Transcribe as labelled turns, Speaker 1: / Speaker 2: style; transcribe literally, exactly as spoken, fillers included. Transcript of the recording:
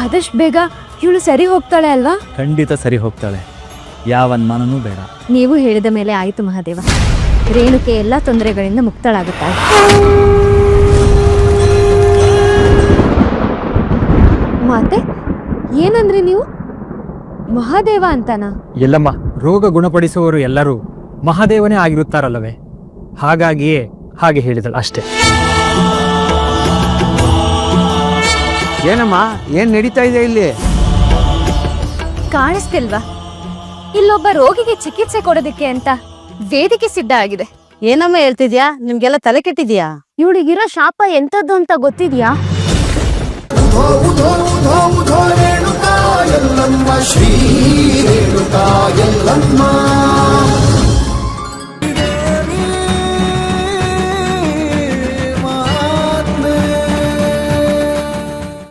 Speaker 1: ಆದಷ್ಟು ಬೇಗ ಇವಳು ಸರಿ ಹೋಗ್ತಾಳೆ ಅಲ್ವಾ?
Speaker 2: ಖಂಡಿತ ಸರಿ ಹೋಗ್ತಾಳೆ, ಯಾವ ಅನುಮಾನನೂ ಬೇಡ.
Speaker 1: ನೀವು ಹೇಳಿದ ಮೇಲೆ ಆಯಿತು ಮಹಾದೇವ. ರೇಣುಕೆ ಎಲ್ಲ ತೊಂದರೆಗಳಿಂದ ಮುಕ್ತಳಾಗುತ್ತಾಳೆ. ಮಾತೆ ಏನಂದ್ರಿ ನೀವು? ಮಹಾದೇವ ಅಂತನಾ?
Speaker 3: ಎಲ್ಲಮ್ಮ, ರೋಗ ಗುಣಪಡಿಸುವವರು ಎಲ್ಲರೂ ಮಹಾದೇವನೇ ಆಗಿರುತ್ತಾರಲ್ಲವೇ? ಹಾಗಾಗಿಯೇ ಹಾಗೆ ಹೇಳಿದಳು ಅಷ್ಟೇ.
Speaker 4: ಏನಮ್ಮ, ಏನ್ ನಡೀತಾ ಇದೆ ಇಲ್ಲಿ?
Speaker 1: ಕಾಣಿಸ್ತಿಲ್ವಾ? ಇಲ್ಲೊಬ್ಬ ರೋಗಿಗೆ ಚಿಕಿತ್ಸೆ ಕೊಡೋದಕ್ಕೆ ಅಂತ ವೇದಿಕೆ ಸಿದ್ಧ ಆಗಿದೆ.
Speaker 5: ಏನಮ್ಮ ಹೇಳ್ತಿದ್ಯಾ? ನಿಮ್ಗೆಲ್ಲ ತಲೆ ಕೆಟ್ಟಿದ್ಯಾ?
Speaker 1: ಇವಳಿಗಿರೋ ಶಾಪ ಎಂತದ್ದು ಅಂತ ಗೊತ್ತಿದ್ಯಾ?
Speaker 6: ರೇಣುಕಾ ಎಲ್ಲಮ್ಮ ಶ್ರೀ ರೇಣುಕಾ ಎಲ್ಲಮ್ಮ